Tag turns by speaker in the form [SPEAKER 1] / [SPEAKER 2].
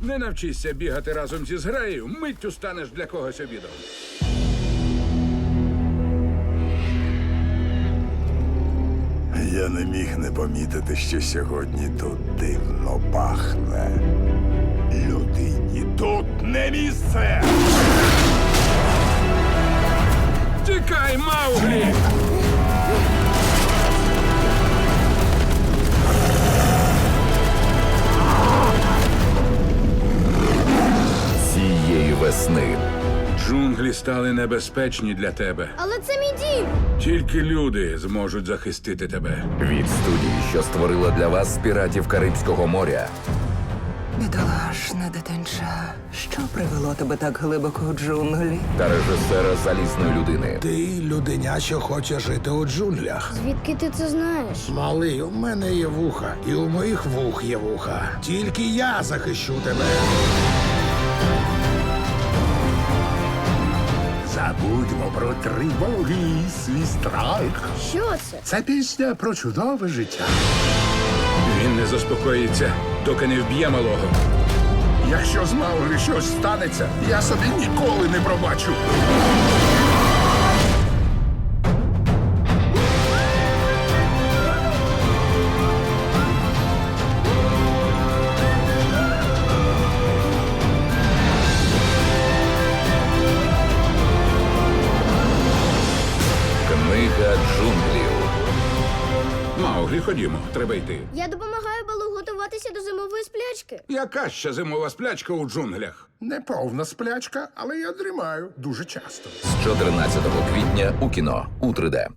[SPEAKER 1] Не навчишся бігати разом зі зграєю, миттю станеш для когось обідом.
[SPEAKER 2] Я не міг не помітити, що сьогодні тут дивно пахне. Людині тут не місце!
[SPEAKER 1] Тікай, Мауглі!
[SPEAKER 3] Цієї весни
[SPEAKER 1] Джунглі стали небезпечні для тебе.
[SPEAKER 4] Але це мій дім.
[SPEAKER 1] Тільки люди зможуть захистити тебе.
[SPEAKER 3] від студії, що створила для вас піратів Карибського моря,
[SPEAKER 5] Бідолашне дитинча, що привело тебе так глибоко у джунглі?
[SPEAKER 3] та режисера залізної людини.
[SPEAKER 6] Ти людиня, що хоче жити у джунглях.
[SPEAKER 4] Звідки ти це знаєш?
[SPEAKER 6] Малий, у мене є вуха, і у моїх вух є вуха. Тільки я захищу тебе. Забудьмо про тривоги і свій страх.
[SPEAKER 4] Що це?
[SPEAKER 6] Це пісня про чудове життя.
[SPEAKER 1] Він не заспокоїться, доки не вб'є малого.
[SPEAKER 6] Якщо з Мауглі щось станеться, я собі ніколи не пробачу.
[SPEAKER 3] Книга джунглів.
[SPEAKER 1] Мауглі, ходімо, треба йти.
[SPEAKER 4] Я допомагаю Балу готуватися до зимової сплячки.
[SPEAKER 1] Яка ще зимова сплячка у джунглях?
[SPEAKER 6] Не повна сплячка, але я дрімаю дуже часто.
[SPEAKER 3] З 14 квітня у кіно у 3D.